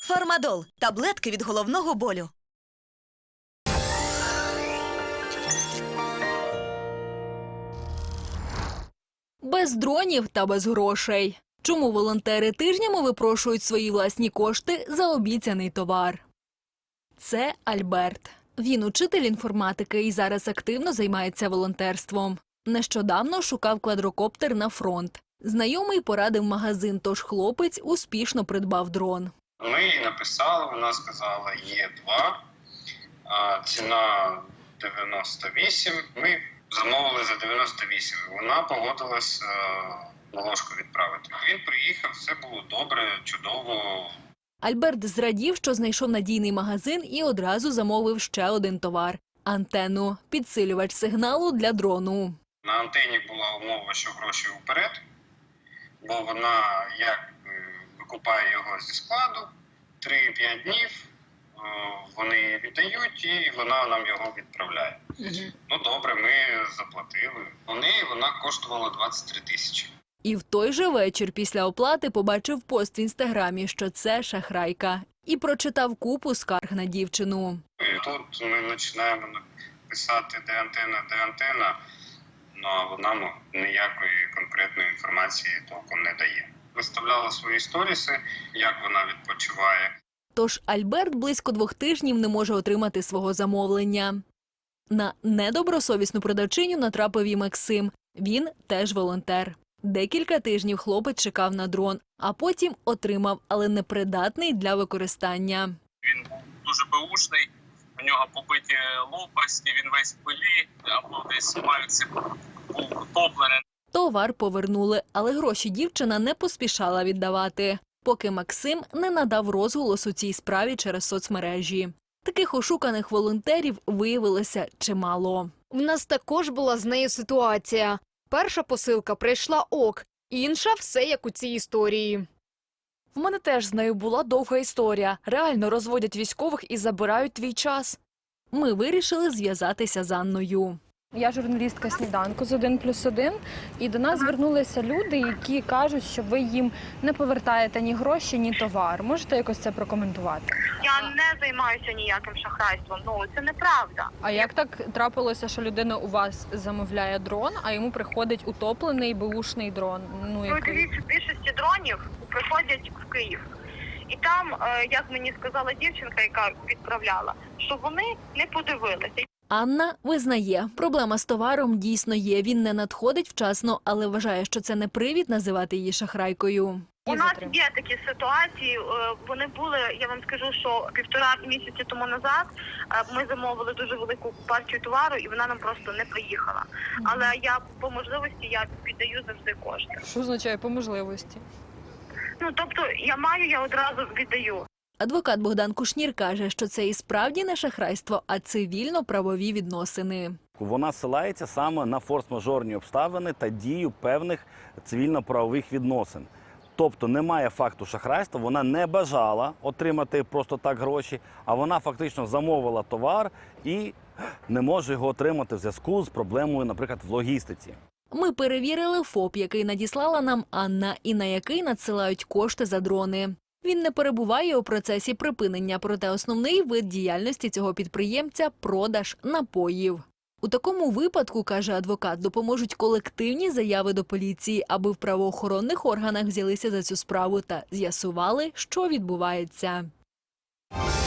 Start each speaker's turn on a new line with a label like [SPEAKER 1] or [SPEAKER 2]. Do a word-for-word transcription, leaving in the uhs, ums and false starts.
[SPEAKER 1] Фармадол – таблетки від головного болю.
[SPEAKER 2] Без дронів та без грошей. Чому волонтери тижнями випрошують свої власні кошти за обіцяний товар? Це Альберт. Він учитель інформатики і зараз активно займається волонтерством. Нещодавно шукав квадрокоптер на фронт. Знайомий порадив магазин, тож хлопець успішно придбав дрон.
[SPEAKER 3] Ми їй написали, вона сказала, є два, а ціна дев'яносто вісім. Ми замовили за дев'яносто вісім. Вона погодилась на ложку відправити. Він приїхав, все було добре, чудово.
[SPEAKER 2] Альберт зрадів, що знайшов надійний магазин і одразу замовив ще один товар – антенну – підсилювач сигналу для дрону.
[SPEAKER 3] На антені була умова, що гроші вперед, бо вона як викупає його зі складу, три-п'ять днів вони віддають і вона нам його відправляє. Угу. Ну добре, ми заплатили. У неї вона коштувала двадцять три тисячі.
[SPEAKER 2] І в той же вечір після оплати побачив пост в інстаграмі, що це шахрайка. І прочитав купу скарг на дівчину.
[SPEAKER 3] І тут ми починаємо писати, де антенна, де антенна, ну, а вона ну, ніякої конкретної інформації толком не дає. Виставляла свої сторіси, як вона відпочиває.
[SPEAKER 2] Тож Альберт близько двох тижнів не може отримати свого замовлення. На недобросовісну продавчиню натрапив і Максим. Він теж волонтер. Декілька тижнів хлопець чекав на дрон, а потім отримав, але непридатний для використання.
[SPEAKER 4] Він був дуже беушний, у нього побиті лопасті, він весь в пилі, або десь пальці був утоплений.
[SPEAKER 2] Товар повернули, але гроші дівчина не поспішала віддавати, поки Максим не надав розголос у цій справі через соцмережі. Таких ошуканих волонтерів виявилося чимало.
[SPEAKER 5] В нас також була з нею ситуація. Перша посилка прийшла ок, інша – все як у цій історії.
[SPEAKER 6] В мене теж з нею була довга історія. Реально розводять військових і забирають твій час.
[SPEAKER 2] Ми вирішили зв'язатися з Анною.
[SPEAKER 7] Я журналістка «Сніданку» з один плюс один, і до нас звернулися люди, які кажуть, що ви їм не повертаєте ні гроші, ні товар. Можете якось це прокоментувати?
[SPEAKER 8] Я не займаюся ніяким шахрайством, ну це неправда.
[SPEAKER 7] А як так трапилося, що людина у вас замовляє дрон, а йому приходить утоплений беушний дрон? Ну,
[SPEAKER 8] Ну,
[SPEAKER 7] який...
[SPEAKER 8] дивіться, більшості дронів приходять в Київ. І там, як мені сказала дівчинка, яка відправляла, що вони не подивилися.
[SPEAKER 2] Анна визнає, проблема з товаром дійсно є. Він не надходить вчасно, але вважає, що це не привід називати її шахрайкою.
[SPEAKER 8] У нас є такі ситуації, вони були, я вам скажу, що півтора місяці тому назад ми замовили дуже велику партію товару і вона нам просто не приїхала. Але я по можливості я віддаю завжди кошти.
[SPEAKER 7] Що означає по можливості?
[SPEAKER 8] Ну, тобто я маю, я одразу віддаю.
[SPEAKER 2] Адвокат Богдан Кушнір каже, що це і справді не шахрайство, а цивільно-правові відносини.
[SPEAKER 9] Вона ссилається саме на форс-мажорні обставини та дію певних цивільно-правових відносин. Тобто немає факту шахрайства, вона не бажала отримати просто так гроші, а вона фактично замовила товар і не може його отримати в зв'язку з проблемою, наприклад, в логістиці.
[SPEAKER 2] Ми перевірили ФОП, який надіслала нам Анна, і на який надсилають кошти за дрони. Він не перебуває у процесі припинення, проте основний вид діяльності цього підприємця – продаж напоїв. У такому випадку, каже адвокат, допоможуть колективні заяви до поліції, аби в правоохоронних органах взялися за цю справу та з'ясували, що відбувається.